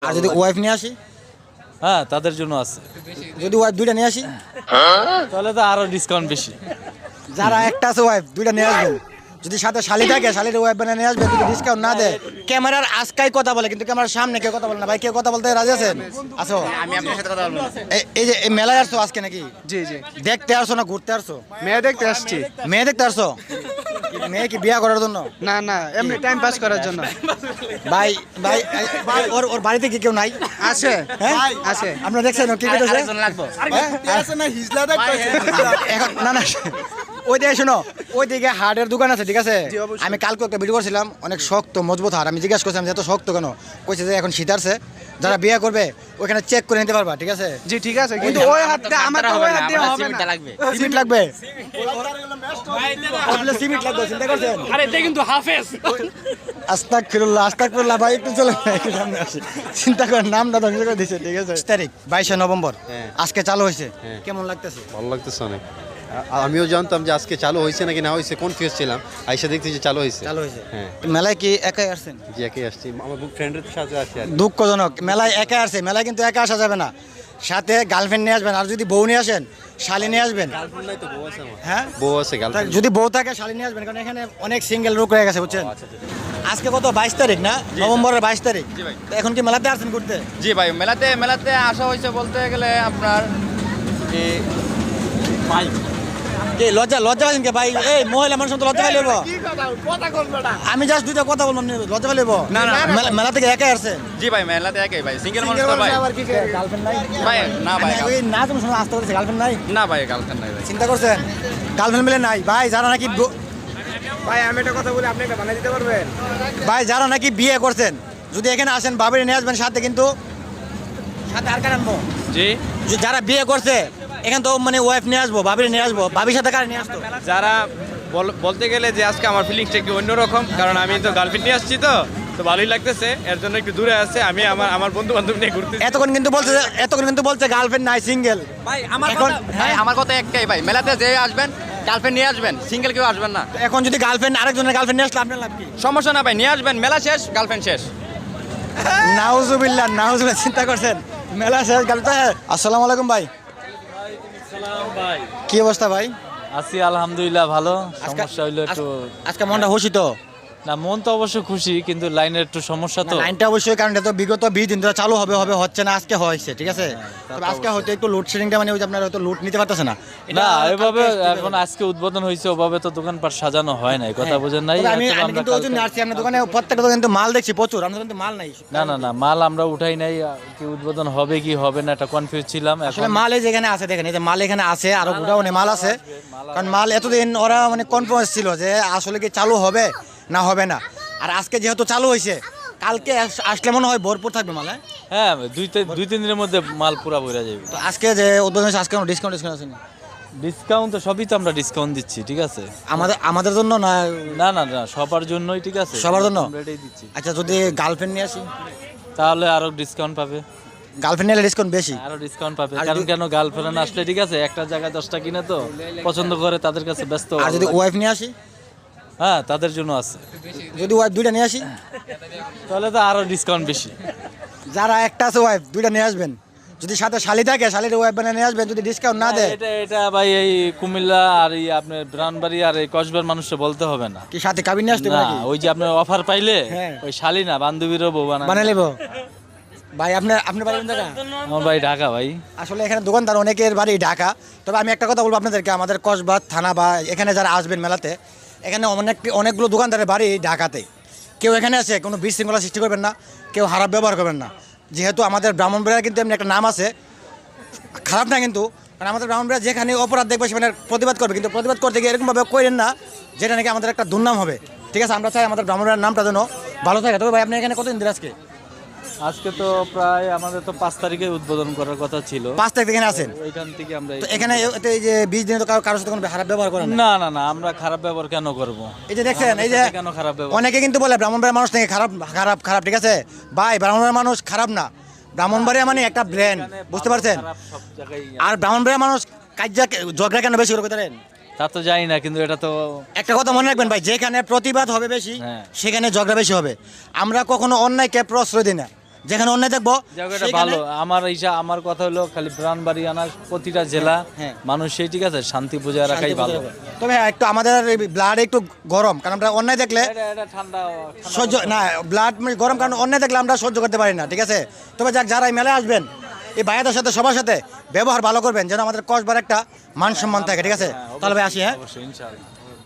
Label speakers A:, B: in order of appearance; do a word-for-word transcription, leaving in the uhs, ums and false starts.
A: আর যদি ওয়াইফ নিয়ে আসি,
B: হ্যাঁ তাদের জন্য আছে।
A: যদি ওয়াইফ দুইটা নিয়ে আসি,
B: তাহলে তো আরো ডিসকাউন্ট বেশি।
A: যারা একটা আছে ওয়াইফ দুইটা নিয়ে আসবেন, যদি সাথে শালি থাকে শালির ওয়াইফ বানিয়ে নিয়ে আসবেন, যদি ডিসকাউন্ট না দেয়। ক্যামেরার আজকাই কথা বলে, কিন্তু ক্যামেরার সামনে কেউ কথা বলে না। ভাই কেউ কথা বলতে রাজি আছেন? আছো?
C: আমি আপনার সাথে কথা বলবো না।
A: এই- এই যে এই মেলায় আসছো আজকে নাকি?
D: জি জি
A: দেখতে আসছো না ঘুরতে আসছো?
D: মেয়ে দেখতে আসছি।
A: মেয়ে দেখতে আসছো? মেয়ে কি বিয়ে করার জন্য?
D: না না এমনি টাইম পাস করার জন্য।
A: ভাই ভাই ভাই, ওর ওর বাড়িতে কি কেউ নাই?
D: আছে
A: হ্যাঁ
D: আছে।
A: আপনারা দেখছেন ও কি করতেছে?
C: আরেকজন লাগবো।
A: এখন না না ওই দিকে শোনো, ওই দিকে হার্ডের দোকান আছে, ঠিক আছে?
D: জি, অবশ্যই।
A: আমি কালকে একটা ভিডিও করছিলাম, অনেক শক্ত মজবুত হাড়। আমি জিজ্ঞাসা করছিলাম যে এত শক্ত কেন? কইছে যে এখন শীত আসছে, যারা বিয়ে করবে ওখানে চেক করে নিতে পারবা, ঠিক আছে?
D: জি ঠিক আছে, কিন্তু ওই হাত দিয়ে আমার তো ওই হাত দিয়ে হবে না।
C: লাগবে।
A: সিমেন্ট লাগবে, আসলে সিমেন্ট লাগবে, চিন্তা করছেন?
E: আরে এটা কিন্তু হাফেজ।
A: আস্তাগফিরুল্লাহ আস্তাগফিরুল্লাহ ভাই, একটু চলে একটু সামনে আসি। চিন্তা করেন, নামটা ধ্বংস করে দিছে, ঠিক আছে? তারিখ বাইশে নভেম্বর আজকে চালু হয়েছে, কেমন লাগতেছে?
F: ভালো লাগতেছে অনেক। আ- আমিও জানতাম যে আজকে চালু হয়েছে নাকি না হয়েছে, কনফিউজ ছিলাম। আইসা দেখছি যে চালু হয়েছে।
A: চালু হয়েছে।
F: হ্যাঁ।
A: মেলায় কি একাই আসছেন?
F: জি একে আসছি, আমার ফ্রেন্ডের সাথে আসছি আর কি।
A: দুঃখজনক, মেলায় একা আসছে। মেলায় কিন্তু একা আসা যাবে না, সাথে গার্লফ্রেন্ড নিয়ে আসবেন। আর যদি বউ নিয়ে আসেন, শালি নিয়ে আসবেন।
F: গার্লফ্রেন্ড নাই তো, বউ আছে আমার।
A: হ্যাঁ,
F: বউ আছে,
A: তা
F: গার্লফ্রেন্ড।
A: যদি বউ থাকে শালি নিয়ে আসবেন, কারণ এখানে অনেক সিঙ্গেল লোক রয়ে গেছে, বুঝছেন? আজকে কত বাইশ তারিখ না, নভেম্বরের বাইশ তারিখ।
C: জি ভাই।
A: তো এখন কি মেলাতে আসছেন ঘুরতে?
C: জি ভাই, মেলাতে মেলাতে আসা হয়েছে বলতে গেলে আপনার এই ভাই
A: কে লজ্জা লজ্জা পাইছেন কে ভাই? এই মহিলা মানুষ তো লজ্জা পাইলেব। আমি জাস্ট দুইটা কথা বললাম, আপনি লজ্জা পাইলেব?
C: না, না, না।
A: মেলা- মেলা থেকে একাই আসছেন?
C: জি ভাই, মেলাতে একই ভাই, সিঙ্গেল মানুষ তো ভাই।
A: গার্লফ্রেন্ড নাই?
C: ভাই না ভাই,
A: আমি ওই না তুমি শোনো, আসতে বলছে গার্লফ্রেন্ড নাই?
C: না ভাই, গার্লফ্রেন্ড নাই ভাই।
A: চিন্তা করছেন? গার্লফ্রেন্ড মিলে নাই ভাই, যারা নাকি ব-
D: ভাই আমি একটা কথা বলি, আপনি একটা বানিয়ে দিতে পারবেন?
A: ভাই যারা নাকি বিয়ে করছেন, যদি এখানে আসেন বাবিরে নিয়ে আসবেন সাথে, কিন্তু সাথে আর কার আনবো?
B: জি,
A: যে যারা বিয়ে করছে এখানে তো মানে ওয়াইফ নিয়ে আসবো, বাবিরে নিয়ে আসবো, বাবির সাথে কার নিয়ে আসতো?
B: যারা বল- বলতে গেলে যে আজকে আমার ফিলিংসটা একটু অন্যরকম, কারণ আমি তো গার্লফ্রেন্ড নিয়ে আসছি, তো তো ভালোই লাগতেছে। এর জন্য একটু দূরে আছে, আমি আমার আমার বন্ধু বান্ধব নিয়ে ঘুরতে।
A: এতক্ষণ কিন্তু বলছে যে- এতক্ষণ কিন্তু বলছে গার্লফ্রেন্ড নাই, সিঙ্গেল।
C: ভাই আমার
A: এখন-
C: কথা ভাই, আমার কথা একটাই ভাই, মেলাতে যে আসবেন গার্লফ্রেন্ড নিয়ে আসবেন, সিঙ্গেল কেউ আসবেন না।
A: এখন যদি গার্লফ্রেন্ড আরেকজনের গার্লফ্রেন্ড নিয়ে আসলে আপনার লাভ কি?
C: সমস্যা না ভাই, নিয়ে আসবেন, মেলা শেষ, গার্লফ্রেন্ড শেষ।
A: নাউজুবিল্লাহ নাউজুবিল্লাহ, চিন্তা করছেন? মেলা শেষ গার্লফ্রেন্ড। আসসালামু আলাইকুম ভাই,
B: ভাই
A: কি অবস্থা ভাই?
B: আছি আলহামদুলিল্লাহ ভালো।
A: আজকে-
B: সমস্যা হইলো একটু,
A: আজকে মনটা খুশি তো?
B: না মন তো অবশ্য খুশি, কিন্তু লাইনের একটু সমস্যা তো।
A: লাইনটা অবশ্যই, কারণ এটা তো বিগত বিশ দিন ধরে চালু হবে হবে হচ্ছে না, আজকে হয়েছে, ঠিক আছে?
B: তা
A: তবে
B: তো
A: আজকে হয়তো একটু লোডশেডিংটা মানে ওই যে আপনার হয়তো লোড নিতে পারতেছে না।
B: না
A: এটা
B: এভাবে
A: কালকে আসতে
B: এখন
A: হবে।
B: আজকে উদ্বোধন হয়েছে, ওভাবে তো দোকানপাট সাজানো হয় নাই, কথা
A: হ্যাঁ।
B: বোঝেন নাই।
A: তবে আমি
B: আসলে
A: আমি
B: আমরা
A: কিন্তু ওই জন্য
B: কালকে-
A: আসছি আপনার দোকানে, প্রত্যেকটা দোকানে কিন্তু মাল দেখছি প্রচুর, আমাদের কিন্তু মাল নাই।
B: না না না মাল আমরা উঠাই নাই, কি উদ্বোধন হবে কি হবে না এটা কনফিউজ ছিলাম।
A: আসলে
B: এখন
A: মাল এই যেখানে আছে, দেখেন এই যে মাল এখানে আছে, আরো গোডাউনে মাল আছে। কারণ মাল এতদিন ওরা মানে কনফিউজ ছিল যে আসলে কি চালু হবে না হবে না। আর আজকে যেহেতু চালু হয়েছে, কালকে আস- আসলে মনে হয় ভরপুর থাকবে মাল। হ্যাঁ?
B: হ্যাঁ দুই তি- দুই তিন দিনের মধ্যে মাল পুরা বইরা যাবে।
A: তো আজকে যে উদ্বোধন হয়েছে, আজকে কোনো ডিসকাউন্ট ডিসকাউন্ট আছে না?
B: ডিসকাউন্ট তো সবই তো আমরা ডিসকাউন্ট দিচ্ছি, ঠিক আছে?
A: আমাদের আমাদের জন্য না?
B: না না না সবার জন্যই, ঠিক আছে?
A: সবার জন্য?
B: আমরা এটাই দিচ্ছি।
A: আচ্ছা, যদি গার্লফ্রেন্ড নিয়ে আসি,
B: তাহলে আরো ডিসকাউন্ট পাবে,
A: গার্লফ্রেন্ড নিলে ডিসকাউন্ট বেশি।
B: আরো ডিসকাউন্ট পাবে।
A: আর
B: কারণ
A: যদি-
B: কেন, গার্লফ্রেন্ড আসলে ঠিক আছে একটা জায়গায় দশটা কিনে তো পছন্দ করে, তাদের কাছে ব্যস্ত।
A: আর যদি ওয়াইফ নিয়ে আসি,
B: হ্যাঁ তাদের জন্য আছে।
A: যদি ওয়াইফ দুইটা নিয়ে আসি,
B: তাহলে তো আরো ডিসকাউন্ট বেশি।
A: যারা একটা আছে ওয়াইফ দুইটা নিয়ে আসবেন, যদি সাথে শালি থাকে শালির ওয়াইফ বানিয়ে নিয়ে আসবেন, যদি ডিসকাউন্ট না দেয়।
B: এটা এটা ভাই এই কুমিল্লা আর এই আপনার ব্রাউনবাড়ি আর এই কসবার মানুষকে বলতে হবে না।
A: কি সাথে কাবিন নিয়ে আসতে
B: না,
A: নাকি?
B: ওই যে আপনার অফার পাইলে
A: হ্যাঁ।
B: ওই শালি না বান্ধবীরও বউ বানায়।
A: বানিয়ে নেবো। ভাই আপনার আপনি বাড়ি কোন জায়গা?
B: আমার ভাই ঢাকা ভাই।
A: আসলে এখানে দোকানদার অনেকের বাড়ি ঢাকা। তবে আমি একটা কথা বলবো আপনাদেরকে, আমাদের কসবা থানা বা এখানে যারা আসবেন মেলাতে, এখানে অনেক অনেকগুলো দোকানদারের বাড়ি ঢাকাতে। কেউ এখানে আসে কোনো বিশৃঙ্খলা সৃষ্টি করবেন না, কেউ খারাপ ব্যবহার করবেন না। যেহেতু আমাদের ব্রাহ্মণবাড়িয়ার কিন্তু এমনি একটা নাম আছে, খারাপ না কিন্তু, কারণ আমাদের ব্রাহ্মণবাড়িয়া যেখানে অপরাধ দেখবে সেখানে প্রতিবাদ করবে, কিন্তু প্রতিবাদ করতে গিয়ে এরকমভাবে করেন না যেটা নাকি আমাদের একটা দুর্নাম হবে, ঠিক আছে? আমরা চাই আমাদের ব্রাহ্মণবাড়িয়ার নামটা যেন ভালো থাকে। তবে ভাই আপনি এখানে কতদিন দিন আজকে?
B: আজকে তো প্রায় আমাদের তো পাঁচ তারিখে উদ্বোধন করার কথা ছিল।
A: পাঁচ তারিখ এখানে আছেন,
B: ওইখান থেকে আমরা
A: তো এখানে এতে এই যে বিশ দিনে তো কারো কারোর সাথে কোনো খারাপ ব্যবহার করেন না?
B: না না না আমরা খারাপ ব্যবহার কেন করব?
A: এই যে দেখছেন, এই যে
B: আমাদের সাথে কেন খারাপ ব্যবহার?
A: অনেকে কিন্তু বলে ব্রাহ্মণবাড়িয়ার মানুষ নাকি খারাপ খারাপ খারাপ, ঠিক আছে ভাই? ব্রাহ্মণবাড়িয়ার মানুষ খারাপ না, ব্রাহ্মণবাড়িয়া মানে একটা ব্র্যান্ড, বুঝতে পারছেন?
B: খারাপ সব জায়গায়
A: আর ব্রাহ্মণবাড়িয়ার মানুষ কাজ্যা ঝগড়া কেন বেশি করে দেন?
B: তা তো জানি না, কিন্তু এটা তো
A: একটা কথা মনে রাখবেন ভাই, যেখানে প্রতিবাদ হবে বেশি
B: হ্যাঁ।
A: সেখানে ঝগড়া বেশি হবে। আমরা কখনো অন্যায়কে প্রশ্রয় দিই না, যেখানে অন্যায় দেখবো
E: জায়গাটা
A: সেইখানে-
E: ভালো আমার ইচ্ছা আমার কথা হলো খালি ব্রাহ্মণবাড়ি আনার প্রতিটা জেলা
A: হ্যাঁ।
E: মানুষ সেই ঠিক আছে শান্তি বজায় রাখাই ভালো
A: তবে হ্যাঁ, একটু আমাদের ব্লাড একটু গরম, কারণ আমরা অন্যায় দেখলে
E: এটা এটা ঠান্ডা
A: সহ্য না, ব্লাড গরম, কারণ অন্যায় দেখলে আমরা সহ্য করতে পারি না, ঠিক আছে। তবে যাক, যারা এই মেলায় আসবেন এই ভাইয়াদের সাথে সবার সাথে ব্যবহার ভালো করবেন, যেন আমাদের কসবার একটা মান সম্মান থাকে, ঠিক আছে। তাহলে ভাই আসি, হ্যাঁ।
E: অবশ্যই ইনশাআল্লাহ